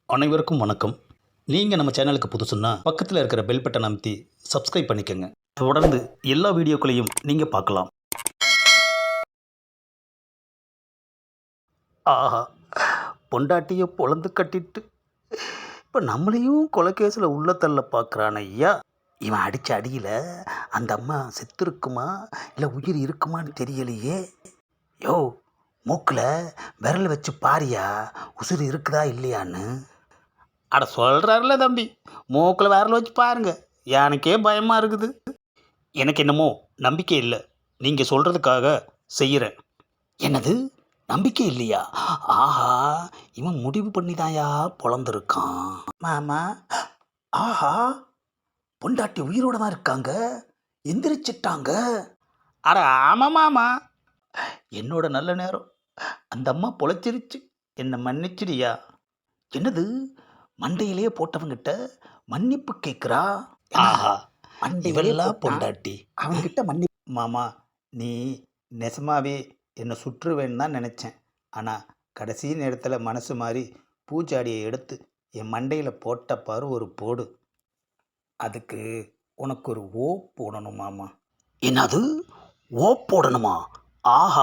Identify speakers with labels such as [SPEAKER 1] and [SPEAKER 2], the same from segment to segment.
[SPEAKER 1] அனைவருக்கும் வணக்கம். நீங்கள் நம்ம சேனலுக்கு புதுசுன்னா பக்கத்தில் இருக்கிற பெல் பட்டன் அமைத்தி சப்ஸ்கிரைப் பண்ணிக்கோங்க. தொடர்ந்து எல்லா வீடியோக்களையும் நீங்கள் பார்க்கலாம். ஆஹா, பொண்டாட்டியை பொழந்து கட்டிட்டு இப்போ நம்மளையும் கொலைகேசில் உள்ள தள்ள பார்க்குறான் ஐயா. இவன் அடித்த அடியில் அந்த அம்மா செத்து இருக்குமா இல்லை உயிர் இருக்குமான்னு தெரியலையே. யோ, மூக்கில் விரல் வச்சு பாரியா உசுறு இருக்குதா இல்லையான்னு. அட சொல்கிறாருல தம்பி, மூக்கில் விரல் வச்சு பாருங்க. எனக்கே பயமாக இருக்குது. எனக்கு என்னமோ நம்பிக்கை இல்லை. நீங்கள் சொல்கிறதுக்காக செய்கிறேன். என்னது, நம்பிக்கை இல்லையா? ஆஹா, இவன் முடிவு பண்ணிதாயா பொழந்திருக்கான். மாமா, ஆஹா, பொண்டாட்டி உயிரோட தான் இருக்காங்க, எந்திரிச்சிட்டாங்க. அட ஆமாம் மாமா, என்னோட நல்ல நேரம். அந்த அம்மா பொழைச்சிருச்சு, என்னை மன்னிச்சிடியா. என்னது, மண்டையிலேயே போட்டவங்கிட்ட மன்னிப்பு கேட்குறா. ஆஹா, மண்டையெல்லாம் பொண்டாட்டி அவன்கிட்ட மன்னிப்பு. மாமா, நீ நெசமாவே என்னை சுற்றுவேன்னு தான் நினச்சேன். ஆனால் கடைசி நேரத்தில் மனசு மாறி பூச்சாடியை எடுத்து என் மண்டையில் போட்ட பாரு ஒரு போடு. அதுக்கு உனக்கு ஒரு ஓ போடணும் மாமா. என்னது, ஓ போடணுமா? ஆஹா,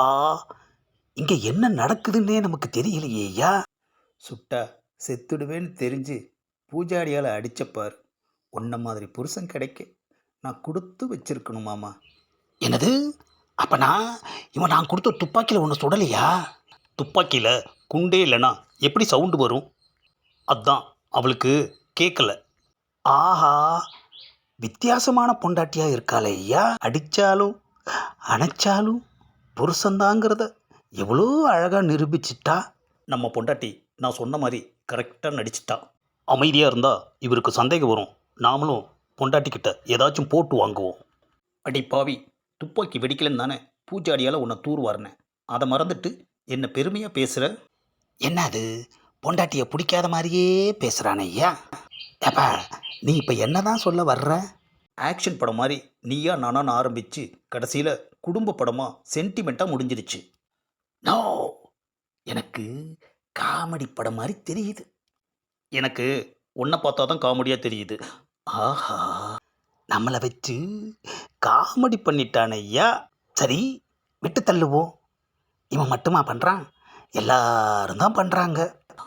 [SPEAKER 1] இங்கே என்ன நடக்குதுன்னே நமக்கு தெரியலையேயா. சுட்டா செத்துடுவேன்னு தெரிஞ்சு பூஜாடியால் அடித்தப்பார். உன்ன மாதிரி புருஷன் கிடைக்க நான் கொடுத்து வச்சிருக்கணும் மாமா. என்னது, அப்போ நான் கொடுத்த துப்பாக்கியில் ஒன்று சுடலையா? துப்பாக்கியில் குண்டே இல்லைனா எப்படி சவுண்டு வரும்? அதான் அவளுக்கு கேட்கல. ஆஹா, வித்தியாசமான பொண்டாட்டியாக இருக்காளே ஐயா. அடித்தாலும் அணைச்சாலும் புருஷந்தாங்கிறத எவ்வளோ அழகாக நிரூபிச்சிட்டா நம்ம பொண்டாட்டி. நான் சொன்ன மாதிரி கரெக்டாக நடிச்சிட்டா. அமைதியாக இருந்தால் இவருக்கு சந்தேகம் வரும். நாமளும் பொண்டாட்டிக்கிட்ட ஏதாச்சும் போட்டு வாங்குவோம். அடி பாவி, துப்பாக்கி வெடிக்கலன்னு தானே பூஜாடியால் உன்னை தூர்வாரினேன். அதை மறந்துட்டு என்ன பெருமையாக பேசுகிற. என்ன அது, பொண்டாட்டியை பிடிக்காத மாதிரியே பேசுகிறானே ஐயா. ஏப்பா, நீ இப்போ என்ன தான் சொல்ல வர்ற? ஆக்ஷன் படம் மாதிரி நீயா நானான்னு ஆரம்பித்து கடைசியில் குடும்ப படமாக சென்டிமெண்ட்டாக முடிஞ்சிருச்சு. நோ, எனக்கு காமெடி படம் மாதிரி தெரியுது. எனக்கு உன்னை பார்த்தா தான் காமெடியாக தெரியுது. ஆஹா, நம்மளை வச்சு காமெடி பண்ணிட்டான் ஐயா. சரி, விட்டு தள்ளுவோம். இவன் மட்டுமா பண்ணுறான்? எல்லாரும் தான் பண்ணுறாங்க.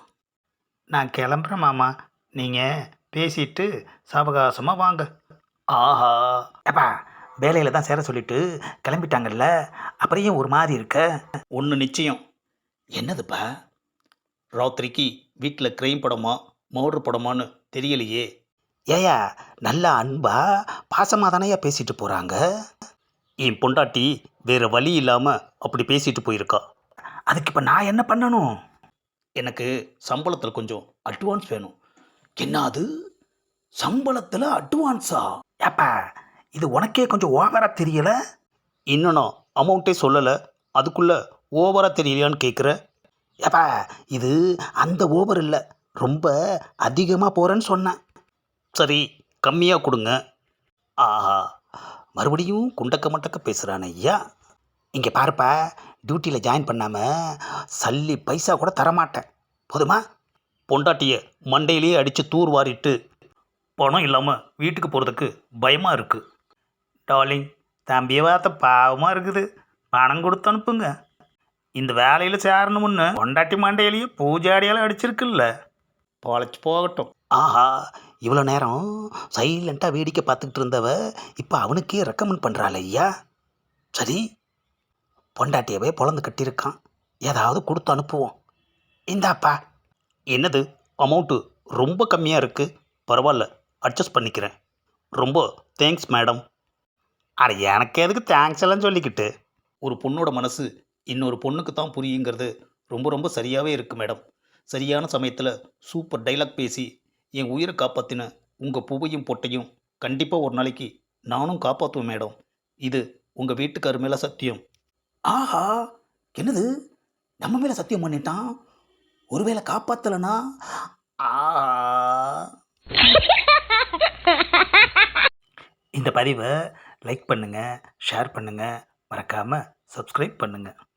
[SPEAKER 1] நான் கிளம்புறேன் மாமா, நீங்கள் பேசிட்டு சாவகாசமாக வாங்க. ஆஹா, ஏப்பா, வேலையில் தான் சேர சொல்லிட்டு கிளம்பிட்டாங்கல்ல, அப்புறம் ஏன் ஒரு மாதிரி இருக்க? ஒன்று நிச்சயம். என்னதுப்பா? ராத்திரிக்கு வீட்டில் கிரைம் படமா மர்டர் படமான்னு தெரியலையே. ஏயா, நல்ல அன்பா பாசமாக தானேயா பேசிட்டு போகிறாங்க. என் பொண்டாட்டி வேறு வழி இல்லாமல் அப்படி பேசிட்டு போயிருக்கா. அதுக்கு இப்போ நான் என்ன பண்ணணும்? எனக்கு சம்பளத்தில் கொஞ்சம் அட்வான்ஸ் வேணும். என்ன அது, சம்பளத்தில் அட்வான்ஸா? ஏப்பா, இது உனக்கே கொஞ்சம் ஓவராக தெரியலை. இன்னும் நான் அமௌண்ட்டே சொல்லலை, அதுக்குள்ளே ஓவராக தெரியலையான்னு கேட்குற. ஏப்பா, இது அந்த ஓவர் இல்லை, ரொம்ப அதிகமாக போகிறேன்னு சொன்னேன். சரி, கம்மியாக கொடுங்க. ஆஹா, மறுபடியும் குண்டக்க மட்டக்க பேசுகிறான் ஐயா. இங்கே பாருப்பா, டியூட்டியில் ஜாயின் பண்ணாமல் சல்லி பைசா கூட தரமாட்டேன், போதுமா? பொண்டாட்டியை மண்டையிலேயே அடித்து தூர் வாரிட்டு பணம் இல்லாமல் வீட்டுக்கு போகிறதுக்கு பயமாக இருக்குது. டார்லிங், தம்பியை பார்த்த பாவமாக இருக்குது, பணம் கொடுத்து அனுப்புங்க. இந்த வேலையில் சேரணும்னு பொண்டாட்டி மண்டையிலேயே பூஜாடியால் அடிச்சிருக்குல்ல, பொழைச்சி போகட்டும். ஆஹா, இவ்வளோ நேரம் சைலண்ட்டாக வேடிக்கை பார்த்துக்கிட்டு இருந்தவ இப்போ அவனுக்கே ரெக்கமெண்ட் பண்ணுறாள் ஐயா. சரி, பொண்டாட்டியவே பொழந்து கட்டியிருக்கான், ஏதாவது கொடுத்து அனுப்புவோம். இந்தாப்பா. என்னது, அமௌண்ட்டு ரொம்ப கம்மியாக இருக்குது. பரவாயில்ல, அட்ஜஸ்ட் பண்ணிக்கிறேன். ரொம்ப தேங்க்ஸ் மேடம். அட, எனக்கு எதுக்கு தேங்க்ஸ் எல்லாம் சொல்லிக்கிட்டு? ஒரு பொண்ணோட மனசு இன்னொரு பொண்ணுக்கு தான் புரியுங்கிறது ரொம்ப ரொம்ப சரியாகவே இருக்குது மேடம். சரியான சமயத்தில் சூப்பர் டைலாக் பேசி என் உயிரை காப்பாற்றின உங்கள் பூவையும் பொட்டையும் கண்டிப்பாக ஒரு நாளைக்கு நானும் காப்பாற்றுவேன் மேடம். இது உங்கள் வீட்டுக்காரு மேலே சத்தியம். ஆஹா, என்னது, நம்ம மேலே சத்தியம் பண்ணிட்டான். ஒருவேளை காப்பாற்றலைனா? ஆஹா. இந்த பதிவை லைக் பண்ணுங்கள், ஷேர் பண்ணுங்கள், மறக்காமல் சப்ஸ்கிரைப் பண்ணுங்கள்.